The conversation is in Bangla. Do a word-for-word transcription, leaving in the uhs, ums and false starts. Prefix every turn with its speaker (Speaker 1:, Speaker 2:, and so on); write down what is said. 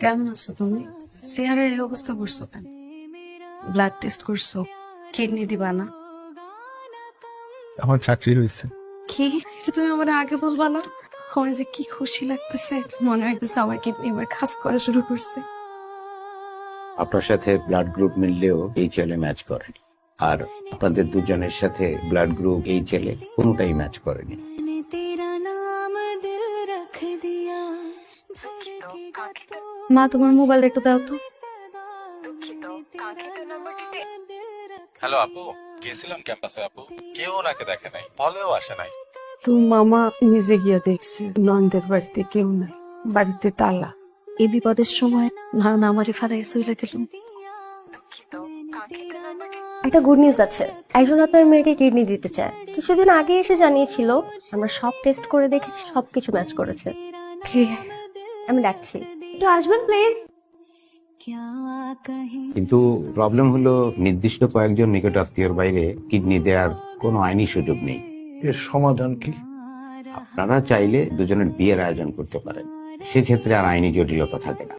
Speaker 1: কেমন আছো তুমি? চেহারার এই অবস্থা করছো কেন? ব্লাড টেস্ট করছো? কিডনি দিবা না?
Speaker 2: আমার চাকরি হয়েছে।
Speaker 1: কি তুমি আমার আগে বলবা না? আমার যে কি খুশি লাগতেছে, মনে হইতেছে আমার কিডনি এবার কাজ করা শুরু করছে।
Speaker 3: আপনার সাথে ব্লাড গ্রুপ মিললেও এই ছেলে ম্যাচ করেনি, আর আপনাদের দুজনের সাথে ব্লাড গ্রুপ এই ছেলে কোনোটাই ম্যাচ করেনি।
Speaker 1: মা, তোমার মোবাইলটা একটু দাও তো।
Speaker 2: হ্যালো আপু, গেছিলাম ক্যাম্পাসে আপু, কেউ ওনাকে দেখে নাই, বলেও আসে নাই।
Speaker 1: তো মামা নিজে গিয়া দেখছে নন্দের বাড়িতে কেউ নাই, বাড়িতে তালা। এই বিপদের সময় না না আমারই ফারাই চলে গেলাম।
Speaker 4: একটা গুড নিউজ আছে, একজন আপনার মেয়েকে কিডনি দিতে চায়। কিছুদিন আগে এসে জানিয়েছিল, আমরা সব টেস্ট করে দেখেছি, সবকিছু ম্যাচ করেছে।
Speaker 1: কে?
Speaker 4: আমি ডাকছি, একটু আসবেন প্লিজ।
Speaker 3: কিন্তু প্রবলেম হলো নির্দিষ্ট কয়েকজন নিকট আত্মীয়র বাইরে কিডনি দেওয়ার কোনো আইনি সুযোগ নেই।
Speaker 5: এর সমাধান কি?
Speaker 3: আপনারা চাইলে দুজনের বিয়ের আয়োজন করতে পারেন, সেক্ষেত্রে আর আইনি জটিলতা থাকে না।